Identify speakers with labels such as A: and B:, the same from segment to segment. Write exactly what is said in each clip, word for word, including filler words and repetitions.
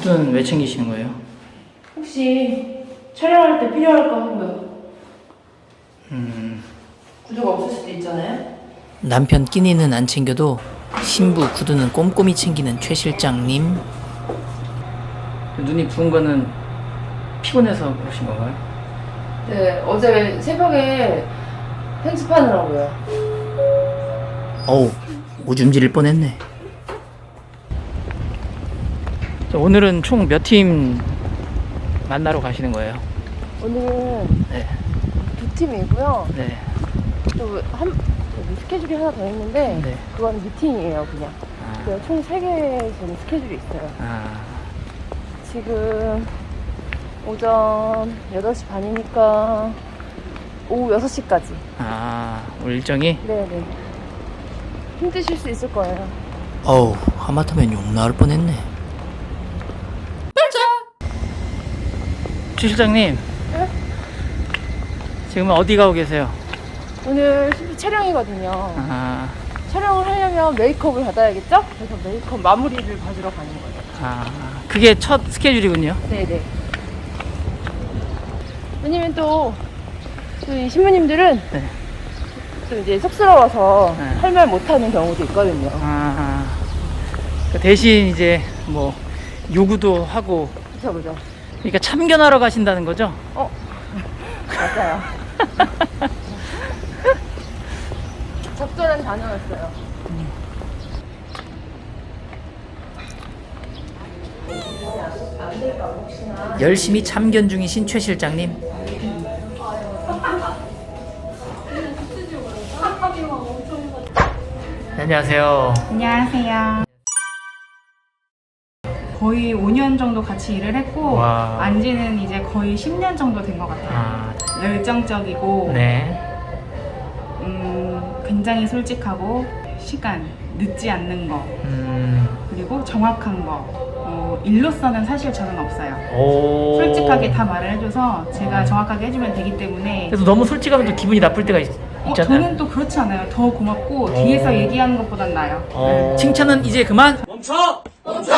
A: 구두는 왜 챙기시는 거예요?
B: 혹시 촬영할 때 필요할까 하고요.
A: 음...
B: 구두가 없을 수도 있잖아요.
A: 남편 끼니는 안 챙겨도 신부 구두는 꼼꼼히 챙기는 최 실장님. 눈이 부은 거는 피곤해서 그러신 건가요?
B: 네, 어제 새벽에 편집하느라고요.
A: 어우, 오줌 지릴 뻔했네. 자, 오늘은 총 몇 팀 만나러 가시는 거예요?
B: 오늘은
A: 네.
B: 두 팀이고요.
A: 네.
B: 또 한 스케줄이 하나 더 있는데
A: 네.
B: 그건 미팅이에요, 그냥.
A: 아.
B: 그래서 총 세 개의 지금 스케줄이 있어요.
A: 아.
B: 지금 오전 여덟 시 반이니까 오후 여섯 시까지.
A: 아, 오늘 일정이?
B: 네네. 힘드실 수 있을 거예요.
A: 어우, 하마터면 욕 나올 뻔했네. 최 실장님.
B: 네?
A: 지금 어디 가고 계세요?
B: 오늘 신부 촬영이거든요.
A: 아,
B: 촬영을 하려면 메이크업을 받아야겠죠? 그래서 메이크업 마무리를 받으러 가는 거예요.
A: 아, 그게 첫 스케줄이군요.
B: 네네. 왜냐면 또, 또 이 신부님들은
A: 네.
B: 또 이제 쑥스러워서
A: 네.
B: 할 말 못하는 경우도 있거든요.
A: 아, 그 대신 이제 뭐 요구도 하고.
B: 그쵸, 그죠?
A: 그러니까 참견하러 가신다는 거죠?
B: 어? 맞아요. 적절한 단어였어요.
A: 열심히 참견 중이신 최 실장님. 안녕하세요.
C: 안녕하세요. 거의 오 년 정도 같이 일을 했고
A: 와.
C: 안지는 이제 거의 십 년 정도 된 것 같아요.
A: 아,
C: 열정적이고
A: 네.
C: 음, 굉장히 솔직하고 시간 늦지 않는 거
A: 음,
C: 그리고 정확한 거 어, 일로서는 사실 저는 없어요.
A: 오.
C: 솔직하게 다 말을 해줘서 제가 정확하게 해주면 되기 때문에
A: 그래서 너무 솔직하면 또 기분이 나쁠 때가 있,
C: 어,
A: 있잖아요.
C: 저는 또 그렇지 않아요. 더 고맙고 뒤에서 얘기하는 것보단 나아요.
A: 어. 칭찬은 이제 그만.
D: 멈춰! 멈춰!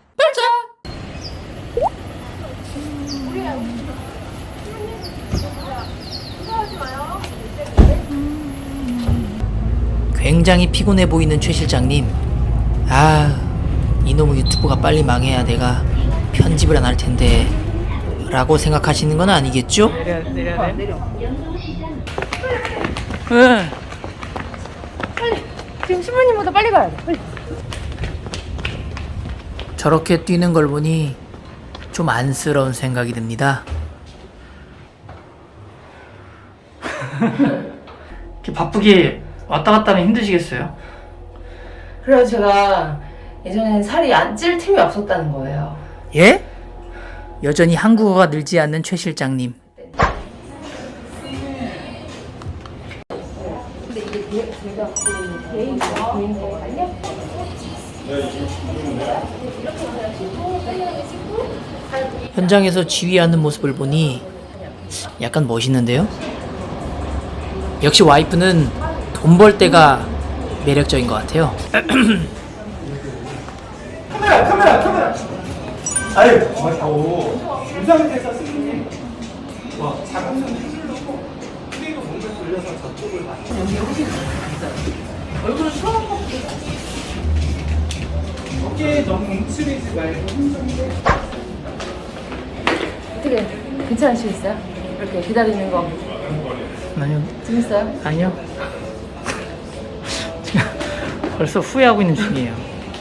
A: 굉장히 피곤해 보이는 최 실장님. 아, 이놈의 유튜브가 빨리 망해야 내가 편집을 안 할 텐데 라고 생각하시는 건 아니겠죠? 내려, 내려, 내려. 응.
B: 빨리! 지금 신부님보다 빨리 가야 돼, 빨리.
A: 저렇게 뛰는 걸 보니 좀 안쓰러운 생각이 듭니다. 이렇게 바쁘게 왔다 갔다 하면 힘드시겠어요?
B: 그래서 제가 예전에는 살이 안 찔 틈이 없었다는 거예요.
A: 예? 여전히 한국어가 늘지 않는 최 실장님.
B: 근데 이게 제가 개인, 개인 거거든요?
A: 현장에서 지휘하는 모습을 보니 약간 멋있는데요? 역시 와이프는 돈 벌 때가 매력적인 것 같아요.
D: 카메라, 카메라, 카메라! 아유, 오, 유상대사 스님. 와, 작은 손 흔들고, 그리고 몸을 돌려서 저쪽을 봐.
B: 얼굴은 처음 보고
D: 어깨에 너무 움츠리지 말고 힘좀
B: 어떻게 괜찮으시겠어요? 이렇게 기다리는 거
A: 아니요.
B: 재밌어요?
A: 아니요. 지금 벌써 후회하고 있는 중이에요.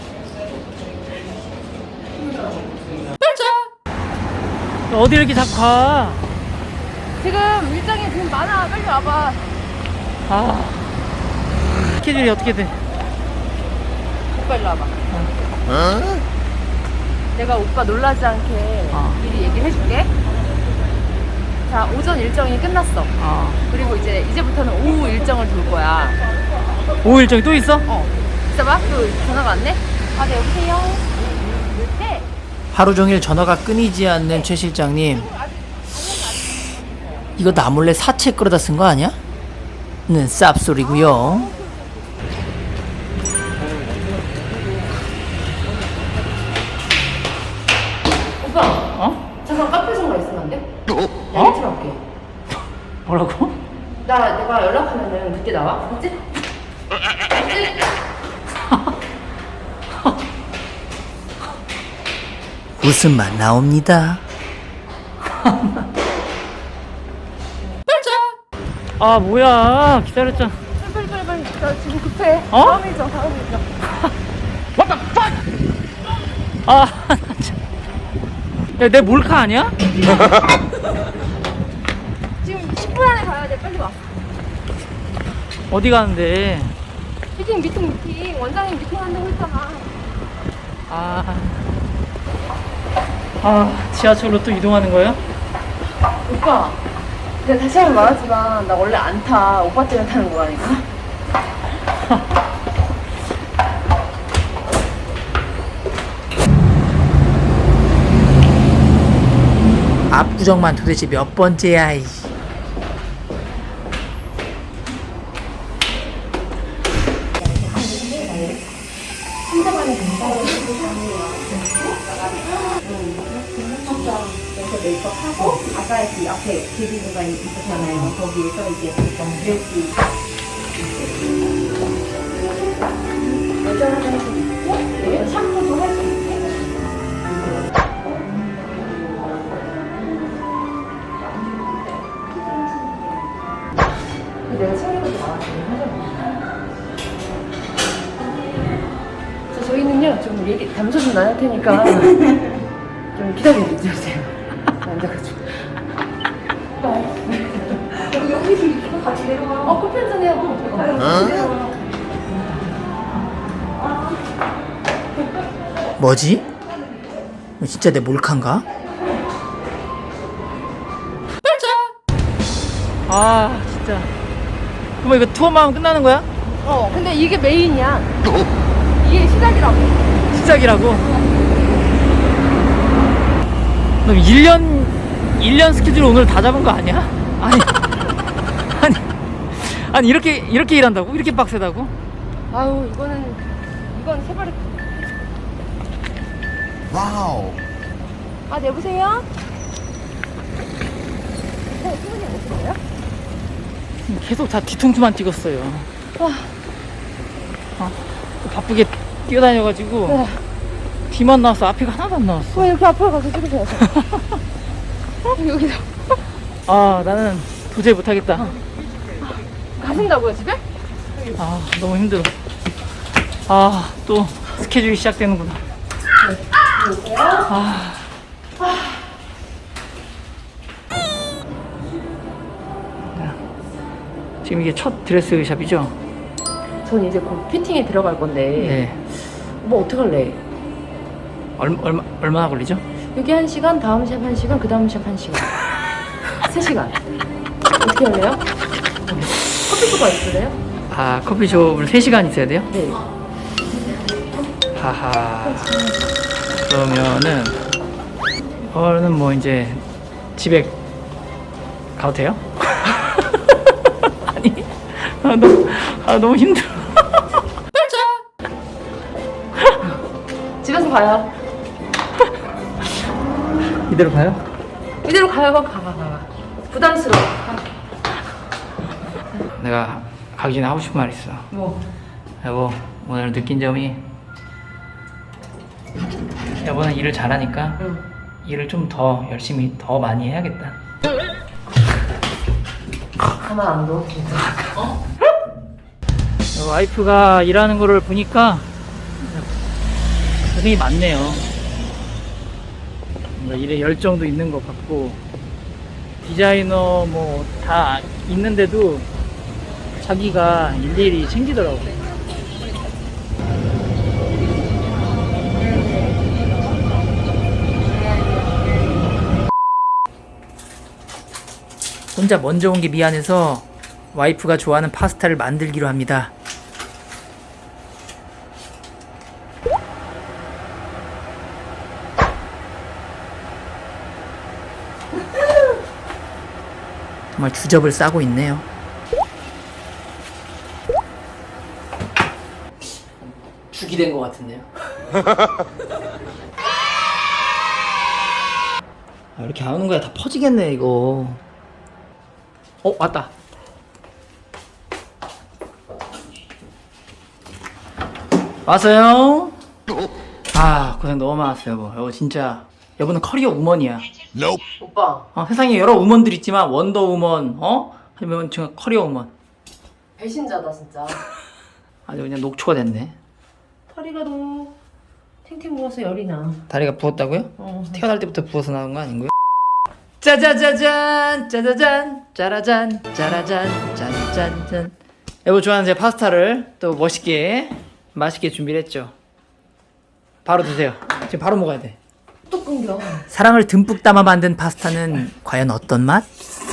A: 어디 이렇게 자꾸 가?
B: 지금 일정이 지금 많아. 빨리 와봐.
A: 아, 스케줄이 어떻게 돼?
B: 오빠 일로 와봐. 내가 오빠 놀라지 않게
A: 어.
B: 미리 얘기를 해줄게. 자, 오전 일정이 끝났어.
A: 아,
B: 그리고 이제 이제부터는 오후 일정을 돌 거야.
A: 오후 일정이 또 있어?
B: 어. 있어봐. 또 전화가 왔네. 아, 네, 여보세요. 네.
A: 하루 종일 전화가 끊이지 않는 최 실장님. 이거 나 몰래 사채 끌어다 쓴 거 아니야? 는 쌉소리고요.
B: 이때 나와? 맞지? 맞지?
A: 웃음만 나옵니다. 아 뭐야 기다렸잖아.
B: 빨리 빨리 빨리. 나 지금 급해.
A: 어?
B: 다음에 줘. 다음에 줘.
A: 아, 야, 내 몰카 아니야?
B: 지금 십 분 안에 가야 돼. 빨리 와.
A: 어디 가는데?
B: 미팅 미팅 미팅. 원장님 미팅 한다고 했잖아.
A: 아, 아, 지하철로 또 이동하는 거야?
B: 오빠. 내가 다시 한번 말하지만 나 원래 안 타. 오빠 때문에 타는 거라니까.
A: 압구정만 도대체 몇 번째야? 이.
E: 메이크업하고 아까 그 앞에 베이비 공간 있었잖아요. 거기에서 이제 드레스 여자 화장실 있고 네, 샴푸도 할 수 있고 내가 챙겨서 나왔어요.
B: 자, 저희는요 좀 얘기 담소 좀 나눌 테니까 좀 기다려 주세요. 앉아가지고.
E: 여기서 이렇게 같이 내려와.
B: 어 커피 한잔 해요. 어?
A: 뭐지? 어, 진짜 내 몰카인가? 아 진짜. 그럼 이거 투어만 하면 끝나는 거야?
B: 어 근데 이게 메인이야. 이게 시작이라고.
A: 시작이라고? 그럼 일 년 일 년 스케줄 오늘 다 잡은 거 아니야? 아니 아니 아니 이렇게 이렇게 일한다고? 이렇게 빡세다고?
B: 아유 이거는 이건 세발이.
F: 와우.
B: 아 여보세요? 어 수분이 오시나요?
A: 계속 다 뒤통수만 찍었어요.
B: 와.
A: 어, 바쁘게 뛰어다녀가지고
B: 네.
A: 뒤만 나왔어. 앞에가 하나도 안 나왔어.
B: 왜 이렇게 앞으로 가서 찍으세요? 어? 여기서
A: 아 나는 도저히 못하겠다.
B: 가신다고요 집에?
A: 아 너무 힘들어. 아 또 스케줄이 시작되는구나. 아. 지금 이게 첫 드레스 샵이죠?
B: 전 이제 곧 피팅에 들어갈 건데
A: 네.
B: 뭐 어떻게 할래?
A: 얼마 얼마 얼마나 걸리죠?
B: 여기 한 시간, 다음 샵 한 시간, 그 다음 샵 한 시간. 세 시간. 어떻게 할래요? 커피숍가 있으래요?
A: 아 커피숍을 세 시간 있어야 돼요?
B: 네.
A: 하하. 그러면은 저는 뭐 이제 집에 가도 돼요? 아니 아 너무 아 너무 힘들어.
B: 집에서 가요.
A: 이대로 가요?
B: 이대로 가요. 가, 가, 가. 부담스러워.
A: 내가 가기 전에 하고 싶은 말 있어.
B: 뭐?
A: 여보 오늘 느낀 점이 여보는 일을 잘하니까
B: 응.
A: 일을 좀 더 열심히 더 많이 해야겠다.
B: 가만 안 둬, 진짜. 어?
A: 와이프가 일하는 거를 보니까 고생이 많네요. 뭔가 일에 열정도 있는 것 같고 디자이너 뭐 다 있는데도 자기가 일일이 챙기더라고요. 혼자 먼저 온 게 미안해서 와이프가 좋아하는 파스타를 만들기로 합니다. 정말 주접을 싸고 있네요. 죽이 된 것 같은데요. 아, 이렇게 안 오는 거야. 다 퍼지겠네 이거. 어 왔다. 왔어요? 아 고생 너무 많았어요 여보. 여보 진짜 여보는 커리어 우먼이야.
B: 오빠
A: 어, 세상에 여러 우먼들 있지만 원더우먼 어? 아니면 지금 커리어 우먼
B: 배신자다 진짜.
A: 아주 그냥 녹초가 됐네.
B: 허리가 너무 탱탱 부어서 열이 나.
A: 다리가 부었다고요?
B: 어.
A: 태어날 때부터 부어서 나온 거 아닌가요? 짜자자잔 짜자잔 짜라잔 짜라잔 짠짠짠. 여보 좋아하는 제 파스타를 또 멋있게 맛있게 준비를 했죠. 바로 드세요. 지금 바로 먹어야 돼.
B: 또 끊겨.
A: 사랑을 듬뿍 담아 만든 파스타는 과연 어떤 맛?